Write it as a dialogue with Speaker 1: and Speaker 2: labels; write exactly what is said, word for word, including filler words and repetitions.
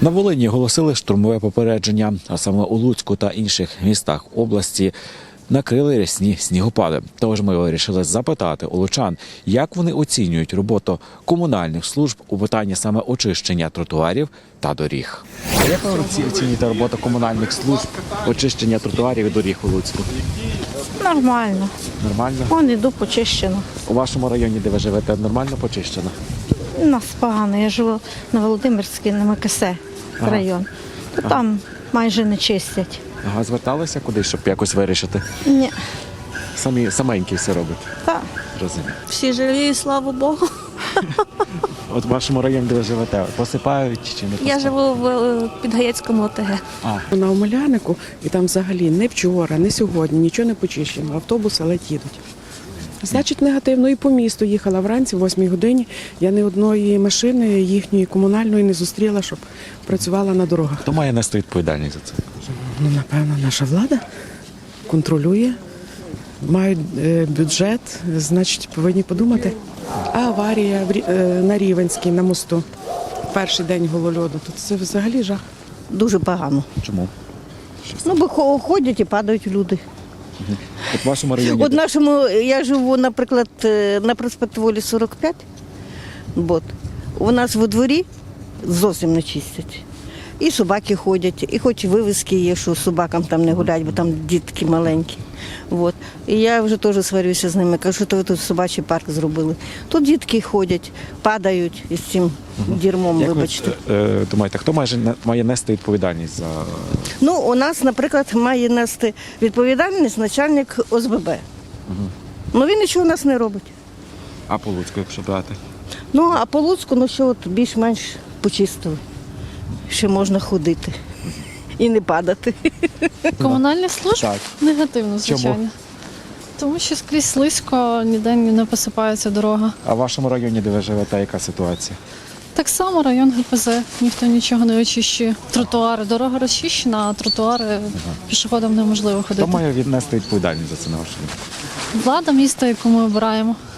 Speaker 1: На Волині оголосили штурмове попередження, а саме у Луцьку та інших містах області накрили рясні снігопади. Тож ми вирішили запитати у лучан, як вони оцінюють роботу комунальних служб у питанні саме очищення тротуарів та доріг. А як ви оцінюєте роботу комунальних служб очищення тротуарів і доріг у Луцьку?
Speaker 2: Нормально.
Speaker 1: Нормально?
Speaker 2: Вон іду почищено.
Speaker 1: У вашому районі, де ви живете, нормально почищено?
Speaker 2: У нас погано. Я живу на Володимирській, на Макасе
Speaker 1: Ага.
Speaker 2: район. То там майже не чистять.
Speaker 1: Ага, зверталися кудись, щоб якось вирішити?
Speaker 2: Ні.
Speaker 1: Самі саменькі все робить.
Speaker 2: Так.
Speaker 1: Розумію.
Speaker 3: Всі живі, слава Богу.
Speaker 1: От в вашому районі, де ви живете, посипають чи не посипають?
Speaker 3: Я живу в е, Підгаєцькому ОТГ.
Speaker 1: А,
Speaker 4: На Омелянику, і там взагалі не вчора, не сьогодні, нічого не почищено. Автобуси ледь їдуть. Значить, негативно. І по місту їхала вранці, в восьмій годині. Я ні одної машини їхньої комунальної не зустріла, щоб працювала на дорогах.
Speaker 1: хто має нести відповідальність за це?
Speaker 4: Ну, напевно, наша влада контролює, мають е, бюджет, значить, повинні подумати. А аварія в Рі- е, на Рівенській, на мосту, перший день голольоду, то це взагалі жах.
Speaker 5: Дуже погано.
Speaker 1: Чому?
Speaker 5: Ну, бо хо- ходять і падають люди.
Speaker 1: От в вашому районі.
Speaker 5: От нашому, я живу, наприклад, е, на проспект Волі сорок п'ять. От. У нас во дворі зовсім не чистять. І собаки ходять, і хоч вивіски є, що собакам там не гулять, бо там дітки маленькі. От. І я вже теж сварюся з ними, кажу, що то ви тут собачий парк зробили. Тут дітки ходять, падають із цим дірмом,
Speaker 1: Як ви
Speaker 5: вибачте.
Speaker 1: е, думаєте, хто має, має нести відповідальність за
Speaker 5: Ну, у нас, наприклад, має нести відповідальність начальник О С Б Б. Ну, він нічого у нас не робить.
Speaker 1: а по Луцьку, якщо брати?
Speaker 5: Ну, а по Луцьку, ну що, от більш-менш почистили. Ще можна ходити і не падати.
Speaker 6: Комунальні служби?
Speaker 1: Так.
Speaker 6: Негативно, звичайно.
Speaker 1: Чому?
Speaker 6: Тому що скрізь слизько, ніде не посипається дорога.
Speaker 1: А в вашому районі, де ви живете, яка ситуація?
Speaker 6: Так само район Г П З, ніхто нічого не очищує. Тротуари, дорога розчищена, а тротуари пішоходам неможливо
Speaker 1: Хто
Speaker 6: ходити.
Speaker 1: має віднести відповідальність за це на вашу думку?
Speaker 6: Влада міста, яку ми обираємо.